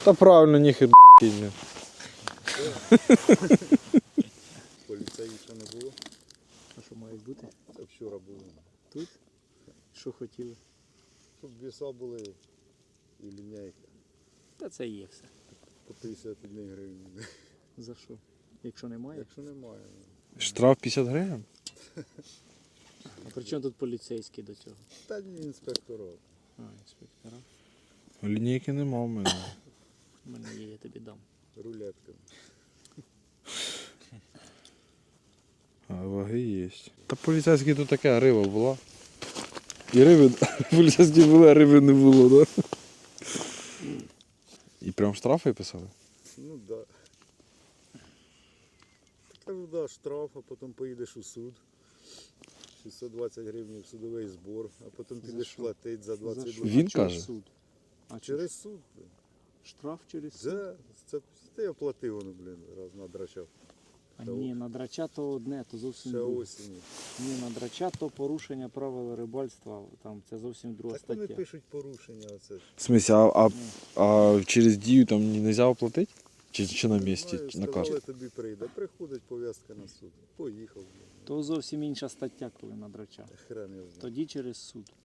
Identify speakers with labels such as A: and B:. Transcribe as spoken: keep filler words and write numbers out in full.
A: Та правильно, ніхер кинь.
B: Поліцеїв ще не було.
C: А що мають бути?
B: Це вчора було.
C: Тут? Що хотіли?
B: Щоб віса були і лінійка.
C: Та це є все.
B: По п'ятдесят одна гривень.
C: За що? Якщо немає?
B: Якщо немає.
A: Штраф п'ятдесят гривень?
C: А при чому тут поліцейський до цього?
B: Та ні, інспекторов.
C: А, інспектора.
A: Лінійки нема в мене.
C: У мене є, я тобі дам.
B: Рулетка.
A: А ваги є. Та поліцейські тут така риба була. І риби, поліцейські були, а риби не було, так? Да? І прям штрафи писали?
B: Ну так. Да. Кажу, да, штраф, а потім поїдеш у суд. шістсот двадцять гривень судовий збор, а потім підеш
C: що?
B: платити за двадцять
C: За що?
A: Він
C: А чого
A: каже?
C: суд? А через
B: Через суд. блін.
C: штраф через суд?
B: Це, це, це я платив, воно, блін, раз надрачав.
C: А ні, на драча то одне, то зовсім
B: Ще
C: друге.
B: осінню.
C: Ні, на драча то порушення правил рибальства, там це зовсім друга
B: Так вони
C: стаття.
B: пишуть порушення оце.
A: В смысле, а, а, а через дію там не можна оплатити? Чи, чи на місці,
B: Знаю,
A: чи на
B: сказали,
A: карту?
B: тобі прийде. Приходить пов'язка на суд. Поїхав. блін.
C: То зовсім інша стаття, коли на драча.
B: Хрен його знає.
C: Тоді через суд.